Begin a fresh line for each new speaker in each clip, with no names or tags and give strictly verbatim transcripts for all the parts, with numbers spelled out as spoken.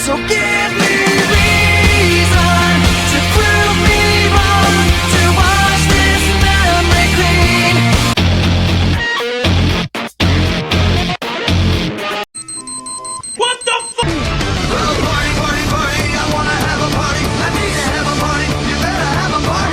So give me reason to prove me wrong, to wash this memory clean. What the fuck? Well, party, party, party, I wanna have a party. I need to have a party, you better have a party.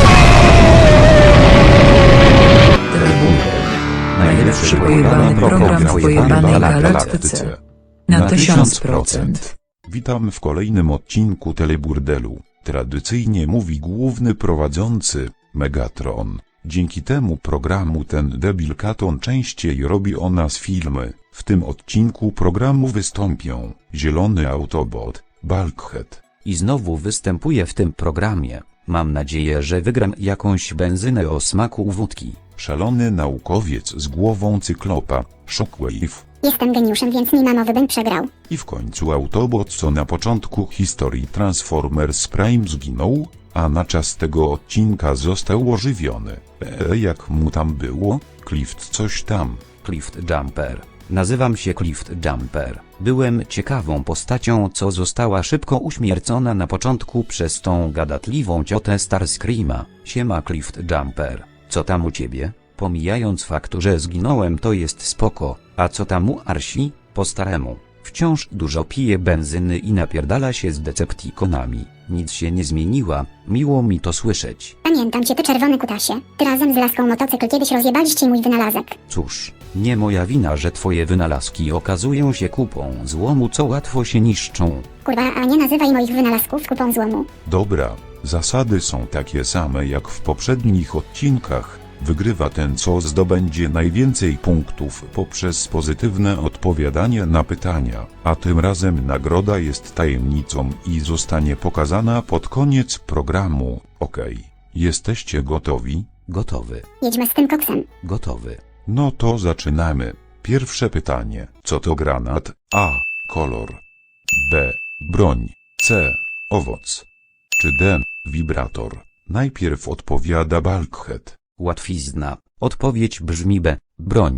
Najlepszy pojebany program w pojebanej galaktyce. Na tysiąc procent.
Witam w kolejnym odcinku Teleburdelu. Tradycyjnie mówi główny prowadzący, Megatron. Dzięki temu programu ten debil Katon częściej robi o nas filmy. W tym odcinku programu wystąpią Zielony Autobot, Bulkhead.
I znowu występuję w tym programie. Mam nadzieję, że wygram jakąś benzynę o smaku wódki.
Szalony naukowiec z głową cyklopa, Shockwave.
Jestem geniuszem, więc nie ma mowy, bym przegrał.
I w końcu Autobot, co na początku historii Transformers Prime zginął, a na czas tego odcinka został ożywiony. Eee, jak mu tam było? Clift coś tam.
Clift Jumper. Nazywam się Clift Jumper. Byłem ciekawą postacią, co została szybko uśmiercona na początku przez tą gadatliwą ciotę Starscreama. Siema Clift Jumper. Co tam u ciebie? Pomijając fakt, że zginąłem, to jest spoko. A co tam u Arsi? Po staremu. Wciąż dużo pije benzyny i napierdala się z Decepticonami. Nic się nie zmieniła, miło mi to słyszeć.
Pamiętam cię, ty czerwony kutasie. Ty razem z laską motocykl kiedyś rozjebaliście mój wynalazek.
Cóż, nie moja wina, że twoje wynalazki okazują się kupą złomu, co łatwo się niszczą.
Kurwa, a nie nazywaj moich wynalazków kupą złomu.
Dobra, zasady są takie same jak w poprzednich odcinkach. Wygrywa ten, co zdobędzie najwięcej punktów poprzez pozytywne odpowiadanie na pytania, a tym razem nagroda jest tajemnicą i zostanie pokazana pod koniec programu. Okej, jesteście gotowi?
Gotowy.
Jedźmy z tym koksem.
Gotowy.
No to zaczynamy. Pierwsze pytanie. Co to granat? A. Kolor. B. Broń. C. Owoc. Czy D. Wibrator? Najpierw odpowiada Bulkhead.
Łatwizna. Odpowiedź brzmi B. Broń.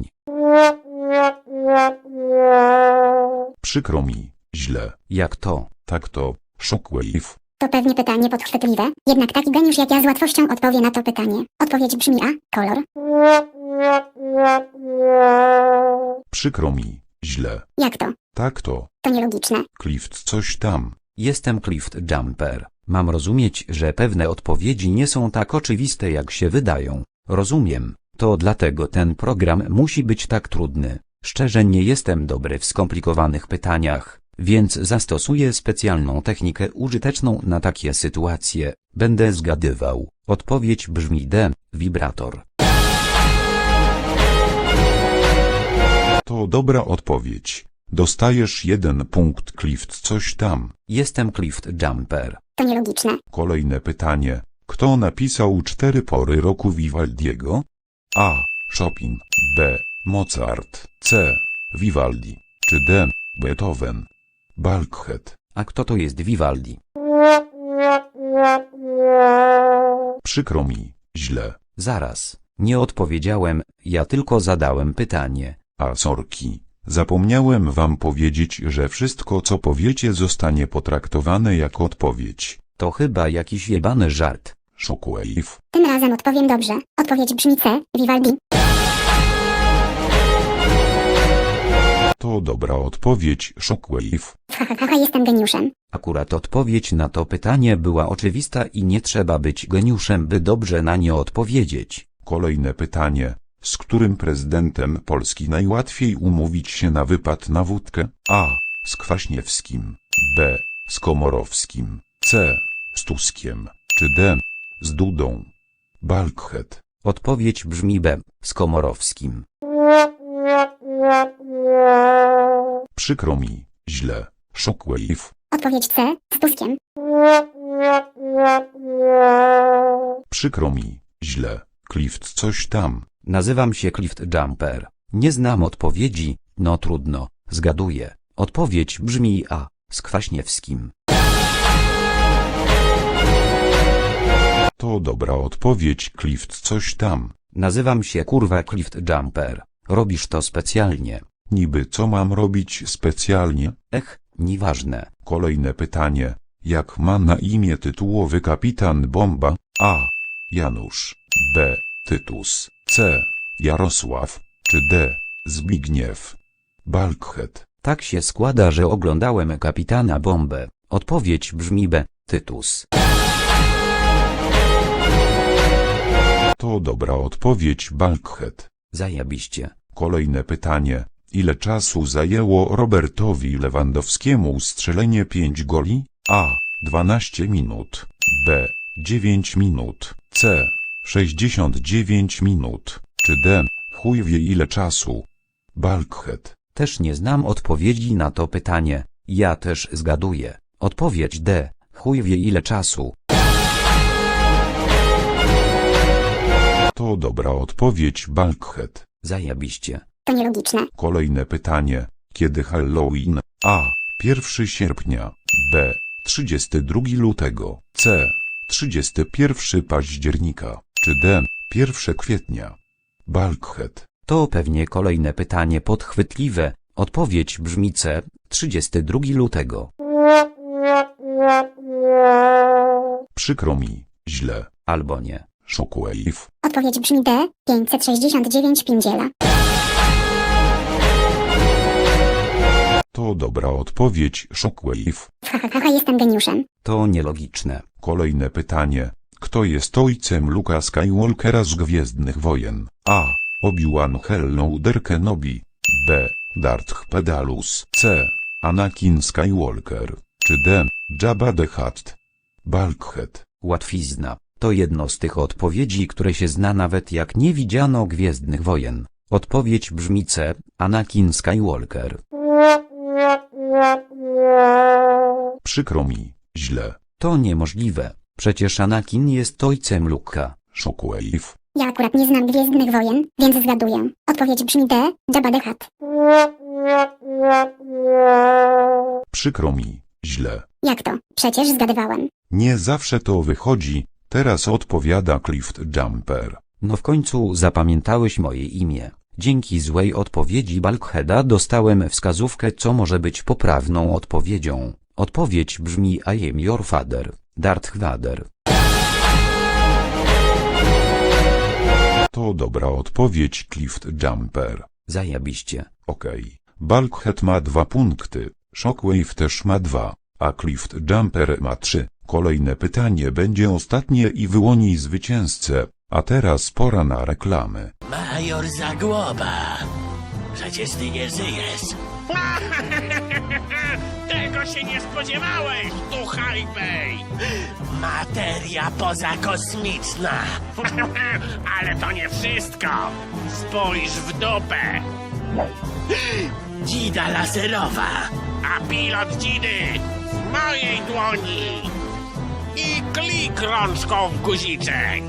Przykro mi. Źle.
Jak to?
Tak to. Shockwave.
To pewnie pytanie podchwytliwe, jednak taki geniusz jak ja z łatwością odpowie na to pytanie. Odpowiedź brzmi A. Kolor.
Przykro mi. Źle.
Jak to?
Tak to.
To nielogiczne.
Clift coś tam.
Jestem Clift Jumper. Mam rozumieć, że pewne odpowiedzi nie są tak oczywiste, jak się wydają. Rozumiem. To dlatego ten program musi być tak trudny. Szczerze nie jestem dobry w skomplikowanych pytaniach, więc zastosuję specjalną technikę użyteczną na takie sytuacje. Będę zgadywał. Odpowiedź brzmi D. Wibrator.
To dobra odpowiedź. Dostajesz jeden punkt. Clift coś tam.
Jestem Clift Jumper.
To nielogiczne.
Kolejne pytanie. Kto napisał cztery pory roku Vivaldiego? A. Chopin. B. Mozart. C. Vivaldi. Czy D. Beethoven? Bulkhead.
A kto to jest Vivaldi?
Przykro mi. Źle.
Zaraz. Nie odpowiedziałem, ja tylko zadałem pytanie.
A sorki. Zapomniałem wam powiedzieć, że wszystko co powiecie zostanie potraktowane jako odpowiedź.
To chyba jakiś jebany żart.
Shockwave.
Tym razem odpowiem dobrze. Odpowiedź brzmi C. Vivaldi.
To dobra odpowiedź. Shockwave.
Hahaha, jestem geniuszem.
Akurat odpowiedź na to pytanie była oczywista i nie trzeba być geniuszem, by dobrze na nie odpowiedzieć.
Kolejne pytanie. Z którym prezydentem Polski najłatwiej umówić się na wypad na wódkę? A. Z Kwaśniewskim. B. Z Komorowskim. C. Z Tuskiem. Czy D. Z Dudą? Bulkhead.
Odpowiedź brzmi B. Z Komorowskim.
Przykro mi. Źle. Shockwave.
Odpowiedź C. Z Tuskiem.
Przykro mi. Źle. Clift coś tam.
Nazywam się Clift Jumper. Nie znam odpowiedzi, no trudno, zgaduję. Odpowiedź brzmi A. Z Kwaśniewskim.
To dobra odpowiedź. Clift coś tam.
Nazywam się kurwa Clift Jumper. Robisz to specjalnie.
Niby co mam robić specjalnie?
Ech, Nieważne.
Kolejne pytanie. Jak ma na imię tytułowy kapitan Bomba? A. Janusz. B. Tytus. C. Jarosław. Czy D. Zbigniew? Bulkhead.
Tak się składa, że oglądałem Kapitana Bombę. Odpowiedź brzmi B. Tytus.
To dobra odpowiedź, Bulkhead.
Zajebiście.
Kolejne pytanie. Ile czasu zajęło Robertowi Lewandowskiemu strzelenie pięć goli? A. dwanaście minut. B. dziewięć minut. C. sześćdziesiąt dziewięć minut. Czy D. Chuj wie ile czasu? Bulkhead.
Też nie znam odpowiedzi na to pytanie. Ja też zgaduję. Odpowiedź D. Chuj wie ile czasu.
To dobra odpowiedź, Bulkhead.
Zajebiście.
To nielogiczne.
Kolejne pytanie. Kiedy Halloween? A. pierwszego sierpnia. B. trzydziestego drugiego lutego. C. trzydziestego pierwszego października. Czy D. pierwszego kwietnia? Bulkhead.
To pewnie kolejne pytanie podchwytliwe. Odpowiedź brzmi C. trzydziestego drugiego lutego.
Przykro mi. Źle.
Albo nie.
Shockwave.
Odpowiedź brzmi D. pięćset sześćdziesiąt dziewięć Pindziela.
To dobra odpowiedź, Shockwave.
Hahaha, jestem geniuszem.
To nielogiczne.
Kolejne pytanie. Kto jest ojcem Luka Skywalkera z Gwiezdnych Wojen? A. Obi-Wan Hellouder Kenobi. B. Darth Pedalus. C. Anakin Skywalker. Czy D. Jabba the Hutt? Bulkhead.
Łatwizna. To jedno z tych odpowiedzi, które się zna nawet jak nie widziano Gwiezdnych Wojen. Odpowiedź brzmi C. Anakin Skywalker.
Przykro mi. Źle.
To niemożliwe. Przecież Anakin jest ojcem Luka.
Shockwave.
Ja akurat nie znam Gwiezdnych Wojen, więc zgaduję. Odpowiedź brzmi D. Jabba the Hutt.
Przykro mi. Źle.
Jak to? Przecież zgadywałem.
Nie zawsze to wychodzi. Teraz odpowiada Clift Jumper.
No w końcu zapamiętałeś moje imię. Dzięki złej odpowiedzi Bulkheada dostałem wskazówkę, co może być poprawną odpowiedzią. Odpowiedź brzmi I am your father, Darth Vader.
To dobra odpowiedź, Clift Jumper.
Zajebiście.
Okej. Bulkhead ma dwa punkty, Shockwave też ma dwa, a Clift Jumper ma trzy. Kolejne pytanie będzie ostatnie i wyłoni zwycięzcę, a teraz pora na reklamy.
Major Zagłoba, przecież ty nie żyjesz.
Tego się nie spodziewałeś, tu Hypej!
Materia pozakosmiczna.
Ale to nie wszystko! Spójrz w dupę!
Dzida laserowa.
A pilot dzidy w mojej dłoni! I klik rączką w guziczek!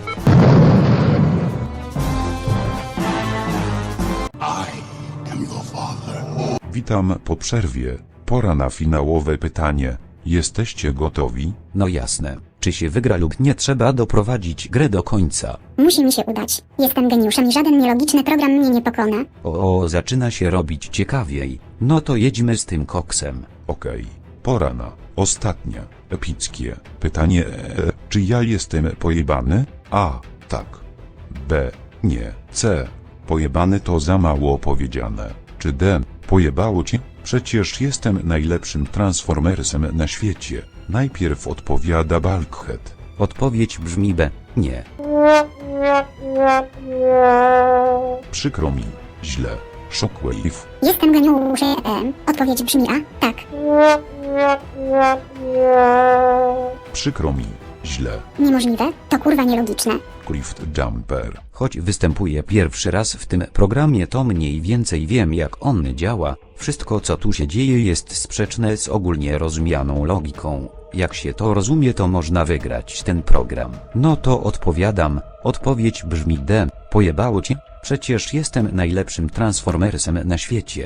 Witam po przerwie, pora na finałowe pytanie. Jesteście gotowi?
No jasne. Czy się wygra lub nie, trzeba doprowadzić grę do końca.
Musi mi się udać. Jestem geniuszem i żaden nielogiczny program mnie nie pokona.
O, o, zaczyna się robić ciekawiej. No to jedźmy z tym koksem.
Okej. Pora na ostatnie, epickie pytanie. E, czy ja jestem pojebany? A. Tak. B. Nie. C. Pojebany to za mało powiedziane. Czy D. Pojebało cię? Przecież jestem najlepszym Transformersem na świecie. Najpierw odpowiada Bulkhead.
Odpowiedź brzmi B. Nie.
Przykro mi. Źle. Shockwave.
Jestem geniuszem. Odpowiedź brzmi A. Tak.
Przykro mi. Źle.
Niemożliwe. To kurwa nielogiczne.
Clift Jumper.
Choć występuję pierwszy raz w tym programie, to mniej więcej wiem, jak on działa. Wszystko, co tu się dzieje, jest sprzeczne z ogólnie rozumianą logiką. Jak się to rozumie, to można wygrać ten program. No to odpowiadam. Odpowiedź brzmi D. Pojebało cię? Przecież jestem najlepszym Transformersem na świecie.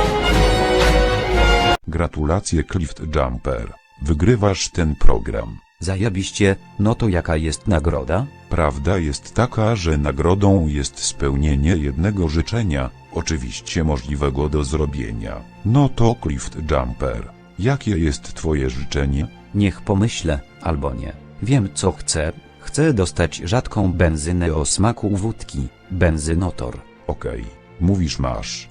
Gratulacje, Clift Jumper. Wygrywasz ten program.
Zajebiście, no to jaka jest nagroda?
Prawda jest taka, że nagrodą jest spełnienie jednego życzenia, oczywiście możliwego do zrobienia. No to Clift Jumper. Jakie jest twoje życzenie?
Niech pomyślę, albo nie. Wiem co chcę. Chcę dostać rzadką benzynę o smaku wódki, benzynotor.
Okej, mówisz masz.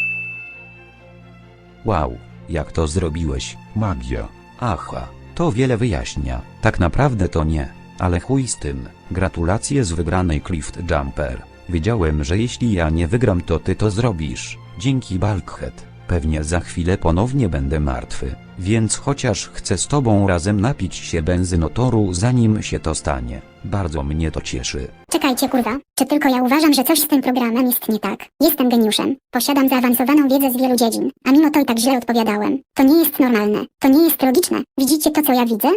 Wow, jak to zrobiłeś?
Magia.
Aha, to wiele wyjaśnia. Tak naprawdę to nie, ale chuj z tym. Gratulacje z wygranej Clift Jumper. Wiedziałem, że jeśli ja nie wygram, to ty to zrobisz. Dzięki Bulkhead. Pewnie za chwilę ponownie będę martwy, więc chociaż chcę z tobą razem napić się benzynotoru zanim się to stanie. Bardzo mnie to cieszy.
Czekajcie kurwa, czy tylko ja uważam, że coś z tym programem jest nie tak? Jestem geniuszem, posiadam zaawansowaną wiedzę z wielu dziedzin, a mimo to i tak źle odpowiadałem. To nie jest normalne, to nie jest logiczne. Widzicie to co ja widzę?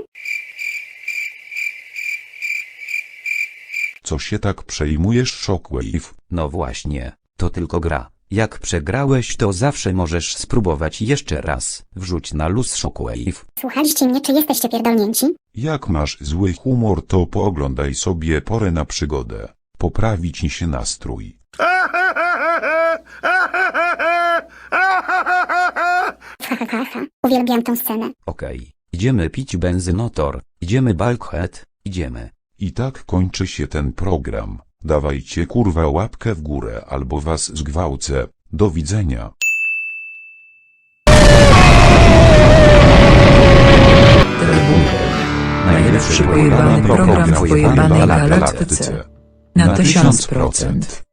Co się tak przejmujesz, Shockwave?
No właśnie, to tylko gra. Jak przegrałeś, to zawsze możesz spróbować jeszcze raz. Wrzuć na luz Shockwave.
Słuchaliście mnie, czy jesteście pierdolnięci?
Jak masz zły humor, to pooglądaj sobie Porę na przygodę. Poprawi ci się nastrój.
Ha ha ha ha, uwielbiam tą scenę.
Okej, idziemy pić benzynotor, idziemy Bulkhead, idziemy.
I tak kończy się ten program. Dawajcie kurwa łapkę w górę albo was zgwałcę. Do widzenia.
Najlepszy pojebany program w pojebanej galaktyce. Na tysiąc procent.